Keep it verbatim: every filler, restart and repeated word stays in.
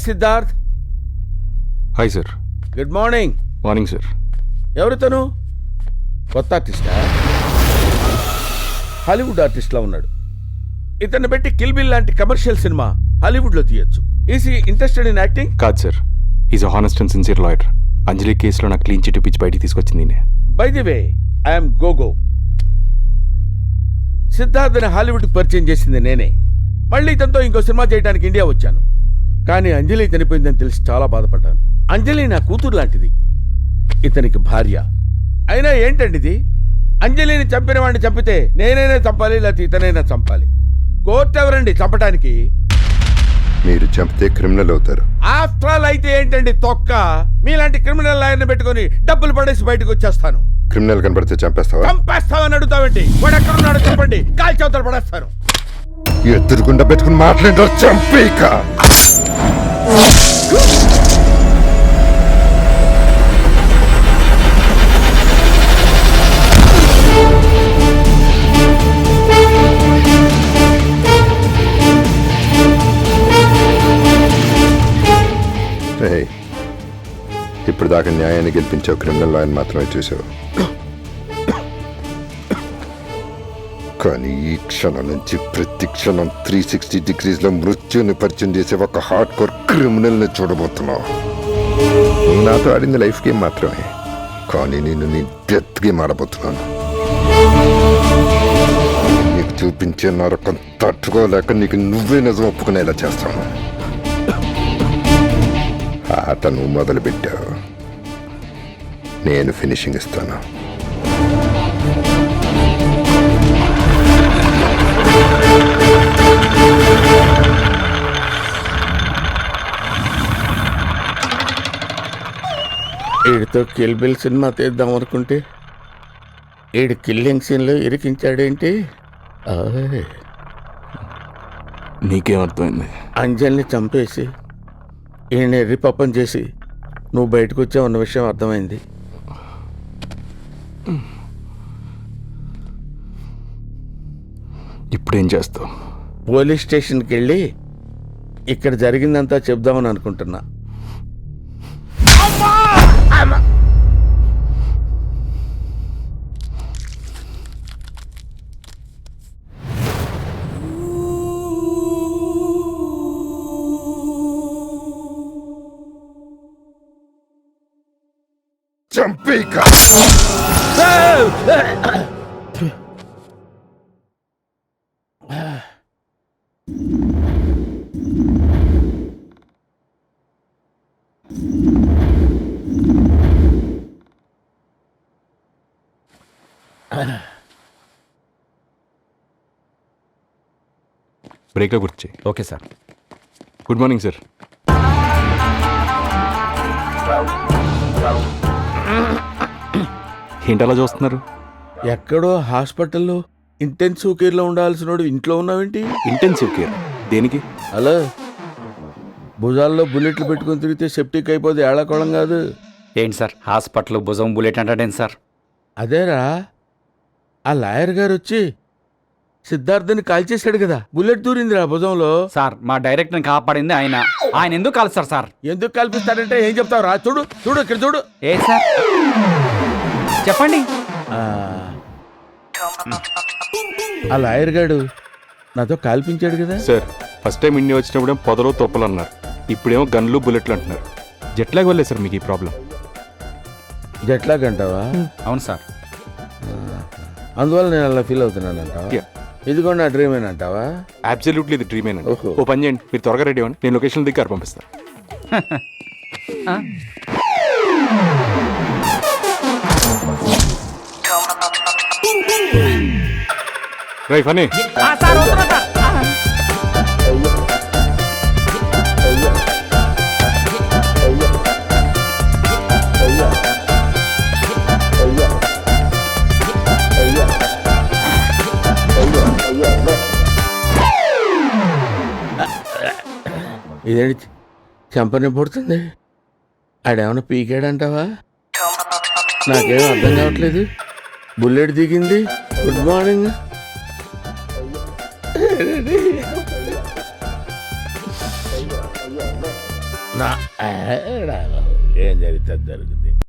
Siddharth. Hi sir. Good morning. Morning sir. ఎవరితను? కొత్త ఆర్టిస్టా? హాలీవుడ్ ఆర్టిస్ట్లా ఉన్నాడు. ఇతన్ని పెట్టి కిల్ బిల్ లాంటి కమర్షియల్ సినిమా హాలీవుడ్ లో తీయొచ్చు. Is he interested in acting? కాదు sir, is a honest and sincere lawyer. Anjali కేసులో నాకు క్లీన్ చిట్ పిచ్చి బయటికి తీసుకొచ్చింది. By the way, I'm Gogo. సిద్ధార్థని హాలీవుడ్కి పరిచయం చేసింది నేనే. మళ్ళీ ఇతనితో ఇంకో సినిమా చేయడానికి ఇండియా వచ్చాను. కానీ అంజలి చనిపోయిందని తెలిసి చాలా బాధపడ్డాను. అంజలి నా కూతురు లాంటిది, ఇతనికి భార్య. అయినా ఏంటండి ఇది? అంజలిని చంపిన వాడిని చంపితే నేనైనా చంపాలి, లేకపోతే ఇతనైనా చంపాలి. కోర్టు ఎవరండి చంపటానికి? మీరు చంపితే క్రిమినల్ అవుతారు. ఆఫ్టర్ ఆల్ అయితే ఏంటండి తొక్క? మీలాంటి క్రిమినల్ లాయర్ని పెట్టుకుని డబ్బులు పడేసి బయటకు వచ్చేస్తాను. క్రిమినల్ కనబడితే చంపేస్తావా? చంపేస్తావని అడుగుతావేంటి? వాడు ఎక్కడున్నాడో చెప్పండి, కాల్ చేతులు పడేస్తాను. ఎదురుగుండా పెట్టుకుని మాట్లాడారు చంపేక. ఇప్పుడు దాకా న్యాయాన్ని గెలిపించావు, క్రిమినల్ లాయర్ మాత్రమే చూసావు. కానీ ఈ క్షణం నుంచి ప్రతి క్షణం త్రీ సిక్స్టీ డిగ్రీస్ లో మృత్యుని పరిచయం చేసే ఒక హార్డ్ కోర్ క్రిమినల్ ని చూడబోతున్నావు. నువ్వు నాతో ఆడింది లైఫ్ గేమ్ మాత్రమే, కానీ నేను నీ డెత్ గేమ్ ఆడబోతున్నాను. నీకు చూపించే నరకం తట్టుకోలేక నీకు నువ్వే నిజం ఒప్పుకునేలా చేస్తాను. ఆట నువ్వు మొదలు పెట్టావు, నేను ఫినిషింగ్ ఇస్తాను. వీడితో కిల్ బిల్ సినిమా తీద్దాం అనుకుంటే వీడి కిల్లింగ్ సీన్లో ఇరికించాడేంటి? నీకేం అర్థమైంది? అంజల్ని చంపేసి ఈయన ఎర్రి పప్పం చేసి నువ్వు బయటకు వచ్చావు అన్న విషయం అర్థమైంది. ఇప్పుడేం చేస్తావు? పోలీస్ స్టేషన్కి వెళ్ళి ఇక్కడ జరిగిందంతా చెప్దామని అనుకుంటున్నా. చంపేక. బ్రేక్లో గుర్చి. Okay sir. Good morning sir. ఏంటి అలా చూస్తున్నారు? ఎక్కడో హాస్పిటల్లో ఇంటెన్సివ్ కేర్లో ఉండాల్సినోడు ఇంట్లో ఉన్నావేంటి? ఇంటెన్సివ్ కేర్ దేనికి? అలా భుజాల్లో బుల్లెట్లు పెట్టుకుని తిరిగితే సెప్టిక్ అయిపోతే ఏళ్ళకోళం కాదు. ఏంటి సార్ హాస్పిటల్ భుజం బుల్లెట్ అంటాడేంటి సార్? అదేరా, ఆ లాయర్ గారు వచ్చి సిద్ధార్థని కాల్చేశాడు కదా, బుల్లెట్ దూరిందిరా భుజంలో. సార్ మా డైరెక్టర్ని కాపాడింది ఆయన. ఆయన ఎందుకు కాల్స్తారు సార్? ఎందుకు కల్పిస్తాడంటే ఏం చెప్తావు రా? చూడు చూడు ఇక్కడ చూడు. ఏ సార్ చెప్పండి. ఆ లాయర్ గారు నాతో కాల్పించాడు కదా సార్. ఫస్ట్ టైం ఇండియా వచ్చినప్పుడు పొదలో తొప్పలు అన్నారు, ఇప్పుడేమో గన్లు బుల్లెట్లు అంటున్నారు. జెట్లాగ్ వల్లే సార్ మీకు ఈ ప్రాబ్లం. జెట్లాగ్ అంటావా? అవును సార్. అందువల్ల నేను అలా ఫీల్ అవుతున్నానంటావా? ఇది కూడా నా డ్రీమ్ అంటావా? అబ్సల్యూట్లీ ఇది డ్రీమ్ అండి. ఓ పని చేయండి, మీరు త్వరగా రెడీ అవ్వండి, నేను లొకేషన్ దిగి కార్ పంపిస్తాను. రై ఫనీ. ఇదేంటి చెంపని పుడుతుంది? ఆడేమన్నా పీకాడంటావా? నాకేం అర్థం కావట్లేదు. బుల్లెట్ దిగింది. Good morning. నా ఏం జరుగుతుంది జరుగుతుంది